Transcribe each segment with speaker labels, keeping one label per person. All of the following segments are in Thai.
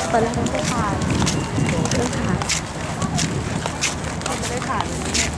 Speaker 1: ตอนแรกไม่ได้ถ่ายไม่ถ่าย
Speaker 2: ไม่ได้ถ่ายเลยเนี่ย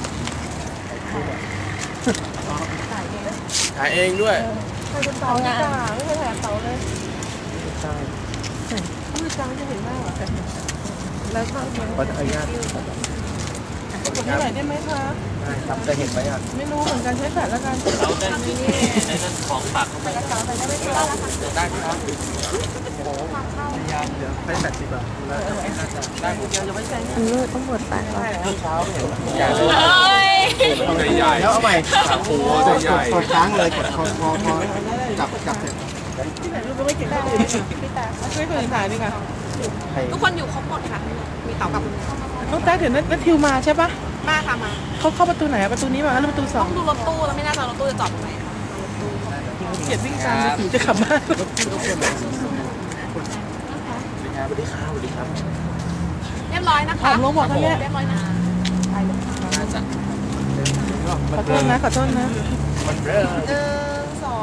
Speaker 2: ถ่ายเอง
Speaker 3: ถ่ายเองด้วย
Speaker 2: ใครเป็นเต๋าจ้าไม่เคยถ่ายเต๋าเลยใช่ผู้จังจะเห็นหน้าเหรอแล้วก็เห็น
Speaker 3: ขออนุญาต
Speaker 2: กดให้หน่อยได้ไหมคะ
Speaker 3: ได้ครับจะเห็นไหมอ่ะ
Speaker 2: ไม่รู้เหมือนกันใช้แฟลชแล้วกัน
Speaker 4: เราได้ในนั้นของฝากเข้าไปได้ครับ
Speaker 3: ได้ครับพยายามเหลือให้80 บาทแล้วน่าจะได้หมด
Speaker 1: อันนี้ต้องหมดไปก่อน
Speaker 3: เช้าเห็นใหญ่เลยใหญ่แล้วเอาใหม่โอ้โหใหญ่กดค้างเลยกดพอจับเสร็จ
Speaker 2: ที่ไหนรู้ไม่เก่งได้เลยพี่ตาช่วยคนอื่นถ่ายดีกว่า
Speaker 5: ทุกคนอยู่ครบหมดค่ะ มีเต๋ากับ
Speaker 2: น้องแต๊กเดี๋ยวนัททิวมาใช่ปะ
Speaker 5: มาค่ะมา
Speaker 2: เขาเข้าประตูไหนประตูนี้มาแล้วประตูสอ
Speaker 5: ต้อง งดูรถตู้แล้วไม่น่าจะรถตู้จะจอดตรงไหนค่ะ
Speaker 2: เกียดวิ่งตามถึงจะขับบ้าน
Speaker 3: สวัสดีครับสวัสดีครับ
Speaker 5: เรียบร้อยนะคะ
Speaker 2: ถามลงบอกเขาเนี่ย
Speaker 5: เรียบร้อยนะ
Speaker 3: น่าจะ
Speaker 2: ขอโทษนะขอโทษนะ
Speaker 3: มันเริ่ม
Speaker 5: สอง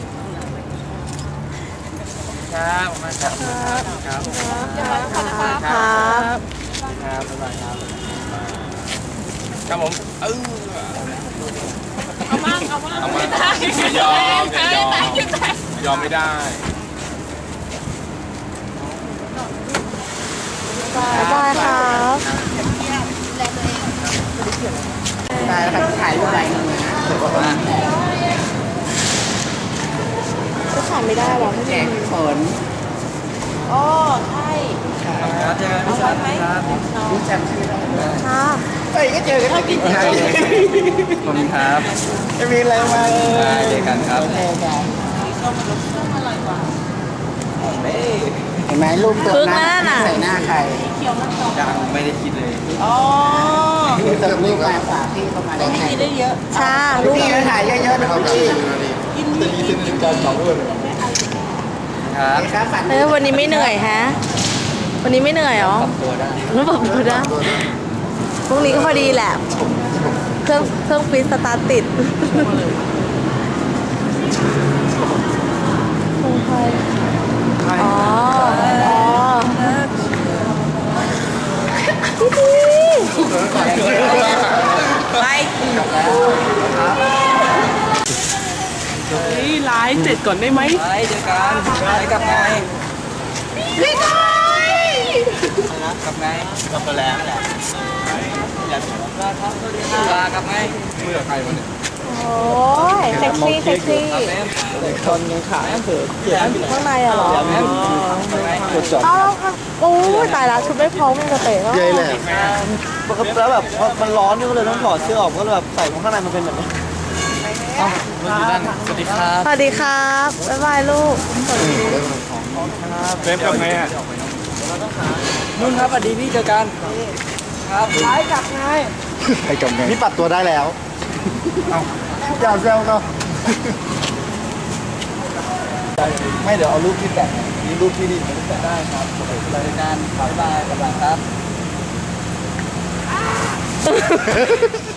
Speaker 3: ครับมาครับครับ
Speaker 5: เรียบร้อยแล้วค่ะนะคะ
Speaker 2: ครับ
Speaker 3: ครับบ๊ายบายครับครับผม
Speaker 5: เอามั่งไม่ได้
Speaker 3: ยอมยอมไม่ได้
Speaker 1: ได้ครับ
Speaker 3: ได้แล้วครับถ่ายรูปอะไรนึงนะถือว่า
Speaker 1: ก็ถ่ายไม่ได้หรอ
Speaker 3: แจกฝน
Speaker 5: อ๋อใช่
Speaker 3: ครับเจอกันพี่ชันครับรู้จักชื่อได้
Speaker 1: ค่ะ
Speaker 3: เฮ้ยก็เจอกันที่ไหนขอบคุณครับจะมีอะไรมาเจอกันครับเจอกันเห็นไหมรูปตัวหน้าใส่หน้าใครยังไม่ได้คิดเลย
Speaker 2: อ๋อ
Speaker 3: แต่รูปมาฝากพี่เข้ามาได้ไง
Speaker 2: ได้เยอะ
Speaker 1: ชาลูก
Speaker 3: พี่ก็ถ่ายเยอะๆนะครับพี่ ครับ
Speaker 1: วันนี้ไม่เหนื่อยฮะ วันนี้ไม่เหนื่อยหรอ
Speaker 3: ตัวได้
Speaker 1: ไม่บอกดูนะพรุ่งนี้ก็พอดีแหละ เครื่องฟิตสตาร์ทติดอ๋อไป
Speaker 2: นี่ไลฟ์เสร็จก่อนได้ไหม
Speaker 3: ไปเจอกันไปกับไงกับไงกับตัวแรงแหละลากับไงเมื่อใครวันนี้
Speaker 1: โอ้ยเซ็กซี่เซ็กซี่
Speaker 3: คนยังขายเผือกเขียน
Speaker 1: ข้างในอะเหรอ
Speaker 3: กดจอด
Speaker 1: อ้าวโอ้ยตายละชุดไม่พร้อมมันจะเตะแล้ว
Speaker 3: เย้เลยแล้วแบบมันร้อนนี่ก็เลยต้องถอดเสื้อออกก็เลยแบบใส่ข้างในมันเป็นแบบนี้สวัสดีครับ
Speaker 1: สวัสดีครับบ๊ายบายลูก
Speaker 3: เฟรมกับไงอ่ะนุ่นครับสวัสดีพี่เจอกันครับ
Speaker 2: ไลฟ์กลับไง
Speaker 3: ไปกับไงนี่ปัดตัวได้แล้วอย่าแซวเนาะไม่เดี๋ยวเอารูปที่แตะมีรูปที่ดีมันแตะได้ครับโอเครายการบ๊ายบายครับ